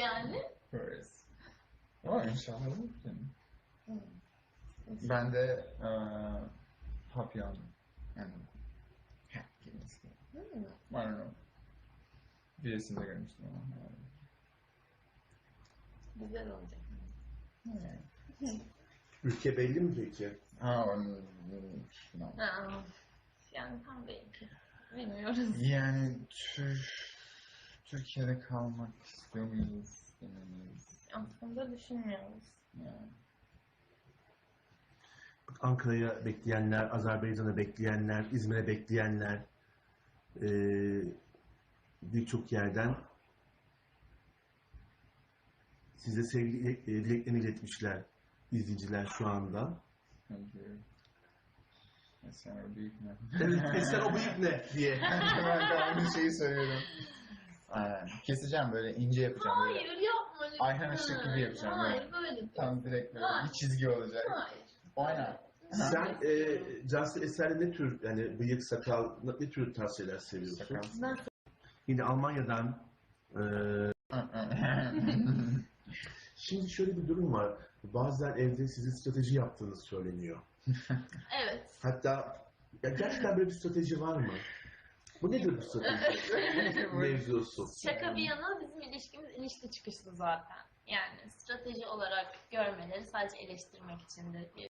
yani? Yaparız. Ama inşallah olur canım. Ben de papyon yani hat kelimesi. I don't know. Bir resimde görmüştüm ama. Güzel olacak. Ülke belli mi peki? No. Yani tam belki. Bilmiyoruz. Yani Türkiye'de kalmak istiyor muyuz? Demeyiz. Aslında düşünmüyoruz. Yani. Ankara'ya bekleyenler, Azerbaycan'a bekleyenler, İzmir'e bekleyenler birçok yerden size sevgi dileklerini iletmişler izleyiciler şu anda. Thank you. Sen o büyük ne? Evet, sen o büyük ne diye. Ben de aynı şeyi söylüyorum. Keseceğim böyle ince yapacağım. Hayır Böyle. yapma lütfen. Ayhan Işık gibi yapacağım. Hayır böyle değil. Tam direkt böyle Hayır. bir çizgi olacak. Hayır. Aynen. Sen Cansu Eser'de ne tür, yani bıyık, sakal, ne tür tavsiyeler seviyorsun? Sakal. Ben Yine Almanya'dan şimdi şöyle bir durum var. Bazen evde sizin strateji yaptığınız söyleniyor. evet. Hatta ya gerçekten böyle bir strateji var mı? Bu nedir bu strateji? Mevzusu. Şaka bir yana bizim ilişkimiz ilişki çıkışlı zaten. Yani strateji olarak görmeleri sadece eleştirmek içindir diye